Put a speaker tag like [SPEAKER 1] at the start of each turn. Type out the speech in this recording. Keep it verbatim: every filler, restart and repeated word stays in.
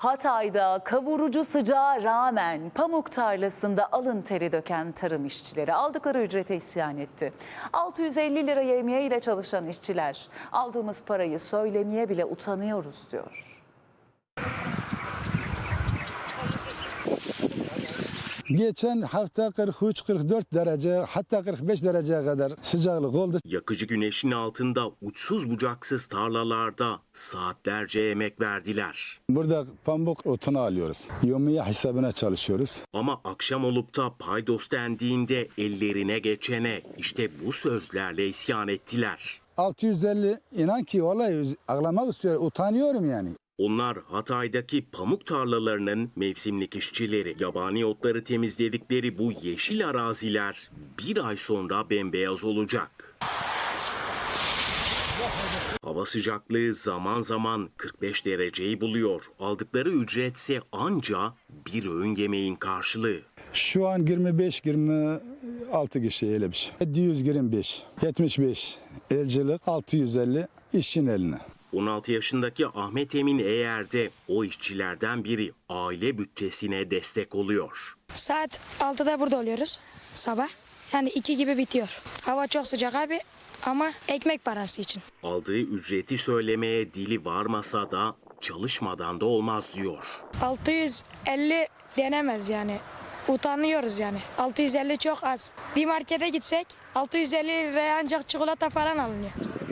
[SPEAKER 1] Hatay'da kavurucu sıcağa rağmen pamuk tarlasında alın teri döken tarım işçileri aldıkları ücrete isyan etti. altı yüz elli lira yevmiye ile çalışan işçiler aldığımız parayı söylemeye bile utanıyoruz diyor.
[SPEAKER 2] Geçen hafta kırk üç kırk dört derece hatta kırk beş dereceye kadar sıcaklık oldu.
[SPEAKER 3] Yakıcı güneşin altında uçsuz bucaksız tarlalarda saatlerce emek verdiler.
[SPEAKER 2] Burada pamuk otunu alıyoruz. Yevmiye hesabına çalışıyoruz.
[SPEAKER 3] Ama akşam olup da paydos dendiğinde ellerine geçene işte bu sözlerle isyan ettiler.
[SPEAKER 2] altı yüz elli inan ki vallahi ağlamak istiyorum, utanıyorum yani.
[SPEAKER 3] Onlar Hatay'daki pamuk tarlalarının mevsimlik işçileri. Yabani otları temizledikleri bu yeşil araziler bir ay sonra bembeyaz olacak. Hava sıcaklığı zaman zaman kırk beş dereceyi buluyor. Aldıkları ücretse anca bir öğün yemeğin karşılığı.
[SPEAKER 2] Şu an yirmi beş yirmi altı kişi öyle bir şey. yedi yüz yirmi beş, yetmiş beş elcilik, altı yüz elli işçinin eline.
[SPEAKER 3] on altı yaşındaki Ahmet Emin Eğer de o işçilerden biri, aile bütçesine destek oluyor.
[SPEAKER 4] Saat altıda burada oluyoruz sabah. Yani iki gibi bitiyor. Hava çok sıcak abi ama ekmek parası için.
[SPEAKER 3] Aldığı ücreti söylemeye dili varmasa da çalışmadan da olmaz diyor.
[SPEAKER 4] altı yüz elli denemez yani. Utanıyoruz yani. altı yüz elli çok az. Bir markete gitsek altı yüz elli liraya ancak çikolata falan alınıyor.